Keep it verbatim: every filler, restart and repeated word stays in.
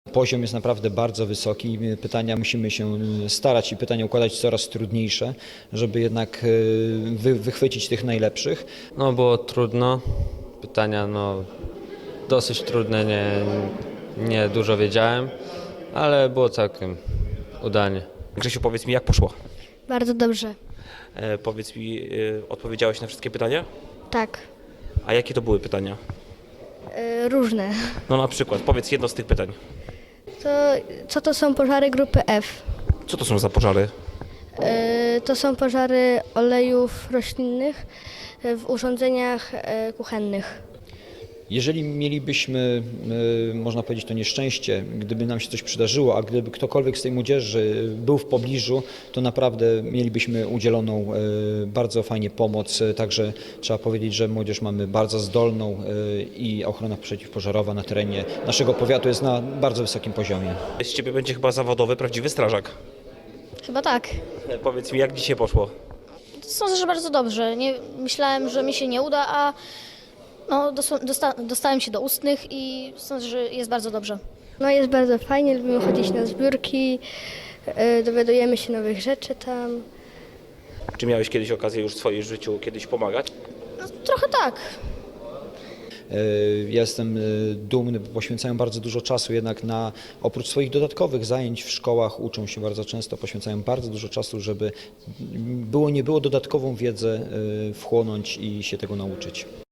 Poziom jest naprawdę bardzo wysoki. Pytania musimy się starać i pytania układać coraz trudniejsze, żeby jednak wy, wychwycić tych najlepszych. No było trudno. Pytania no dosyć trudne, nie, nie dużo wiedziałem, ale było całkiem udanie. Grzesiu, powiedz mi, jak poszło? Bardzo dobrze. E, powiedz mi, e, odpowiedziałeś na wszystkie pytania? Tak. A jakie to były pytania? Y, różne. No na przykład, powiedz jedno z tych pytań. To, co to są pożary grupy F? Co to są za pożary? Y, to są pożary olejów roślinnych y, w urządzeniach y, kuchennych. Jeżeli mielibyśmy, można powiedzieć, to nieszczęście, gdyby nam się coś przydarzyło, a gdyby ktokolwiek z tej młodzieży był w pobliżu, to naprawdę mielibyśmy udzieloną bardzo fajnie pomoc. Także trzeba powiedzieć, że młodzież mamy bardzo zdolną i ochrona przeciwpożarowa na terenie naszego powiatu jest na bardzo wysokim poziomie. Z ciebie będzie chyba zawodowy, prawdziwy strażak. Chyba tak. E, powiedz mi, jak dzisiaj poszło? Sądzę, że bardzo dobrze. Nie, myślałem, że mi się nie uda, a no, dosta, dostałem się do ustnych i sądzę, że jest bardzo dobrze. No jest bardzo fajnie, lubimy chodzić na zbiórki, y, dowiadujemy się nowych rzeczy tam. Czy miałeś kiedyś okazję już w swoim życiu kiedyś pomagać? No, trochę tak. Ja jestem dumny, bo poświęcają bardzo dużo czasu jednak na, oprócz swoich dodatkowych zajęć w szkołach, uczą się bardzo często, poświęcają bardzo dużo czasu, żeby było nie było dodatkową wiedzę wchłonąć i się tego nauczyć.